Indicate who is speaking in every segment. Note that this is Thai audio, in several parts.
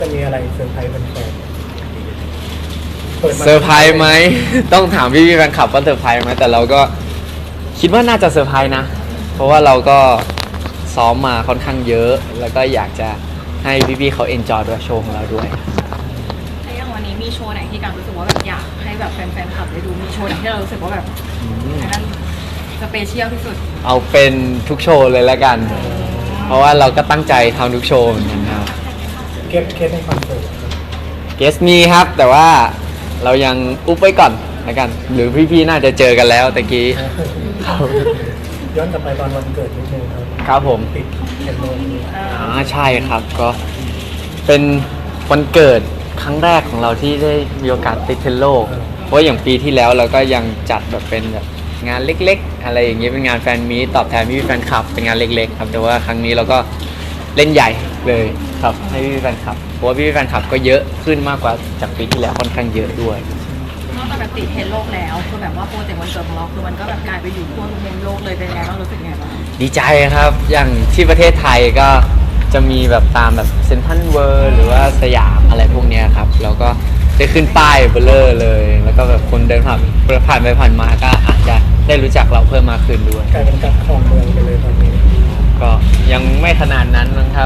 Speaker 1: จะมีอะไรเซอร์ไพรส์แฟนๆ
Speaker 2: เซอร์ไพรส์ไหม ต้องถามพี่แฟนคลับว่าเซอร์ไพรส์ไหมแต่เราก็คิดว่าน่าจะเซอร์ไพรส์นะ เพราะว่าเราก็ซ้อมมาค่อนข้างเยอะ แล้วก็อยากจะให้พี่ๆเขาเอนจอยด้วยโชว์ของเราด้วย
Speaker 3: แล้วอย่างวันนี้มีโชว์ไหนที่การรู้สึกว่าแบบอยากให้แบบแฟนๆคลับได้ดูมีโชว์ไหนที่เรารู้สึกว่าแบบอันนั้นสเปเชียลที่สุด
Speaker 2: เอาเป็นทุกโชว์เลยแล้วกัน เพราะว่าเราก็ตั้งใจทำทุกโชว์เหมือนกันครับ
Speaker 1: เคสในคอนเสิร์ต
Speaker 2: เกสมีครับ แต่ว่าเรายังอุ๊บไว้ก่อนแล้วกัน หรือพี่ๆน่าจะเจอกันแล้วตะกี้
Speaker 1: ย้อนกลับไปตอนวันเกิดนิดนึงครับ
Speaker 2: ครับผม
Speaker 1: ติดเทนโนนี้
Speaker 2: ใช่ครับก็เป็นวันเกิดครั้งแรกของเราที่ได้มีโอกาสติดเทรนด์โลก เพราะอย่างปีที่แล้วเราก็ยังจัดแบบเป็นแบบงานเล็กๆ อะไรอย่างเงี้ยเป็นงานแฟนมีตตอบแทนพี่แฟนคลับเป็นงานเล็กๆครับแต่ว่าครั้งนี้เราก็เล่นใหญ่เลยครับให้พี่แฟนคลับเพราะว่าพี่แฟนคลับก็เยอะขึ้นมากกว่าจากปีที่แล้วค่อนข้างเยอะด้วย
Speaker 3: นอกจากแบบติดเทรนด์โลกแล้วคือแบบว่าโปรเจกต์วันเกิดของเราคือมันก็แบบกลายไปอยู่ทั่วทุกมุมโลกเลยเป็นไงบ้างรู้สึกไงบ้าง
Speaker 2: ดีใจครับ อย่างที่ประเทศไทยก็จะมีแบบตามแบบเซ็นทรัลเวิลด์หรือว่าสยามอะไรพวกเนี้ยครับแล้วก็ได้ขึ้นป้ายเบลเลอร์เลย แล้วก็แบบคนเดินผ่านไปผ่านมาก็อาจจะได้รู้จักเราเพิ่มมากขึ้นด้วย
Speaker 1: กลายเป็นการครองเมืองไปเลยตอนนี้
Speaker 2: ก็ยังไม่ขนาดนั้นนะครับ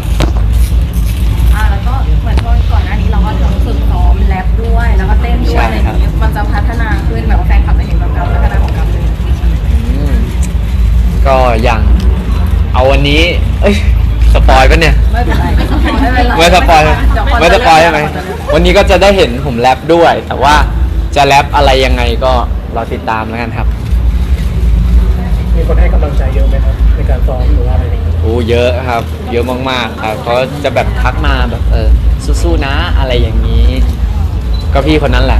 Speaker 3: แล้วก็เหมือนช่วงก่อนหน้านี้เราก็ทั้งฝึกซ้อมแรปด้วยแล้วก็เต้นด้วยอะไรอย่างเงี้ยมันจะพัฒนาขึ้นแบบว่าแฟนคลับจะเห็นแบบการพัฒนาของกัมเลย
Speaker 2: ก็อย่างเอาวันนี้เอ้ยสปอยล์ปะเนี่ย
Speaker 3: ไม่เป็นไรไม่เป็นไร
Speaker 2: ไม่สปอยล์ไม่สปอยล์ใช่ไหมวันนี้ก็จะได้เห็นผมแรปด้วย แต่ว่าจะแรปอะไรยังไงก็รอติดตามแล้วกันครับ
Speaker 1: มีคนให้กำลังใจเยอะไหมครับในการซ้อมหรือว่าอะไรอย่างเงี้ย
Speaker 2: โอ้เยอะครับ เยอะมากๆครับเขาจะแบบทักมาแบบสู้ๆนะอะไรอย่างนี้ ก็พี่คนนั้นแหละ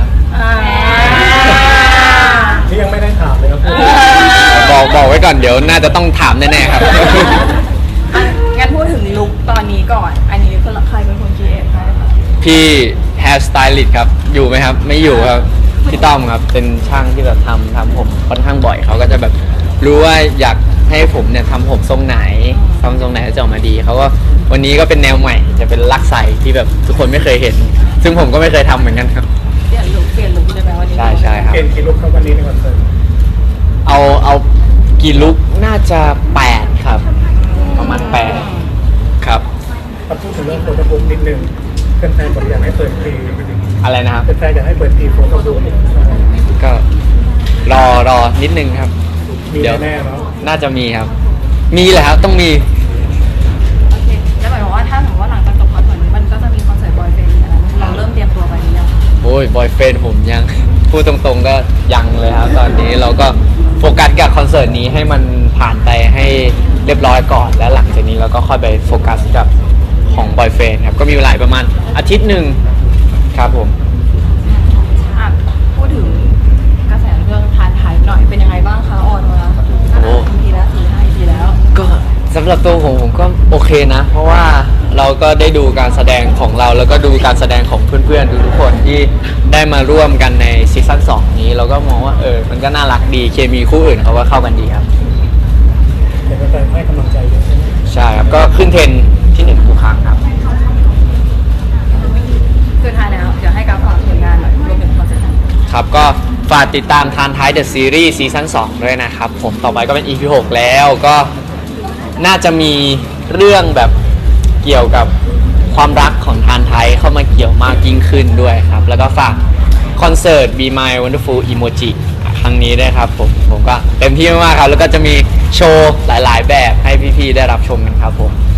Speaker 1: ที่ยังไม่ได้ถามเลยครับ
Speaker 2: บอกไว้ก่อนเดี๋ยวน่าจะต้องถามแน่ๆครับ
Speaker 3: งั้นพูดถึงลุคตอนนี้ก่อน อันนี้คือใครเป็นคนคิดเองคะ
Speaker 2: พี่แฮร์สไตลิสต์ครับอยู่ไหมครับไม่อยู่ครับพี่ต้อมครับเป็นช่างที่แบบทำผมค่อนข้างบ่อยเขาก็จะแบบรู้ว่าอยากให้ผมเนี่ยทำผมทรงไหนทำทรงไหนจะออกมาดีเขาก็วันนี้ก็เป็นแนวใหม่จะเป็นลักไซที่แบบทุกคนไม่เคยเห็น ซึ่งผมก็ไม่เคยทำเหมือนกันครับ
Speaker 3: เปลี่ยนลุคใช่ไหมวันนี้
Speaker 2: ใช่ครับ
Speaker 1: เกณฑ์กี่ลุกครับวันนี้ในคอนเสิร์ต
Speaker 2: เอากี่ลุกน่าจะ8ครับประมาณ8ครับ
Speaker 1: มาพูดถึงเรื่องโฟโต้บุ๊กนิดนึงแฟนๆบอกอยากให้เปิดพรี
Speaker 2: อะไรนะครับ
Speaker 1: แฟนๆอยากให้เปิดพรีโฟโต้บุ๊ก
Speaker 2: ก็รอนิดนึงครับ
Speaker 1: มี
Speaker 2: เดี๋ยว
Speaker 1: แน่ๆเนาะ
Speaker 2: น่าจะมีครับ มีแหละครับต้องมี
Speaker 3: โอเคแล้วหมายความว่าถ้าสมมติว่าหลังจากจบคอนเสิร์ตนี้มันก็จะมีคอนเสิร์ตบอยเฟนด์อะไรเราเริ่มเตรียมตัวไปหรือยัง
Speaker 2: โอ้ยบอยเฟนผมยัง พูดตรงๆก็ยังเลยครับ ตอนนี้เราก็โฟกัสกับคอนเสิร์ตนี้ให้มันผ่านไปให้เรียบร้อยก่อน แล้วหลังจากนี้เราก็ค่อยไปโฟกัสกับของบอยเฟนครับก็มีเวลาประมาณอาทิตย์หนึ่งครับผม
Speaker 3: พูดถึงกระแสเรื่องทานไทยหน่อยเป็นยังไงบ้างคะออนมาทีแล้ว4-5 EPแล้ว
Speaker 2: ก็สำหรับตัวผมก็โอเคนะ เพราะว่าเราก็ได้ดูการแสดงของเราแล้วก็ดูการแสดงของเพื่อนๆทุกคนที่ได้มาร่วมกันในซีซั่น2นี้เราก็มองว่ามันก็น่ารักดีเคมีคู่อื่นเขาก็เข้ากันดีครับ
Speaker 1: เห็นแฟนๆให้กำลังใจเยอะใช่ไหม
Speaker 2: ใช่ครับก็ขึ้นเทรนด์ที่1ทุกครั้งครับ
Speaker 3: สุดท้ายแล้วเดี๋ยวให้การฝากผลงานหน่อยรวมถึงคอนเสิร์ต
Speaker 2: ครับก็ฝากติดตามทานท้ายเดอะซีรีส์ซีซั่น2ด้วยนะครับผมต่อไปก็เป็น EP 6 แล้วก็น่าจะมีเรื่องแบบเกี่ยวกับความรักของทานไทยเข้ามาเกี่ยวมากยิ่งขึ้นด้วยครับแล้วก็ฝากคอนเสิร์ต Be My Wonderful Emoji ครั้งนี้ด้วยครับผมก็เต็มที่มากๆครับแล้วก็จะมีโชว์หลายๆแบบให้พี่ๆได้รับชมกันครับผม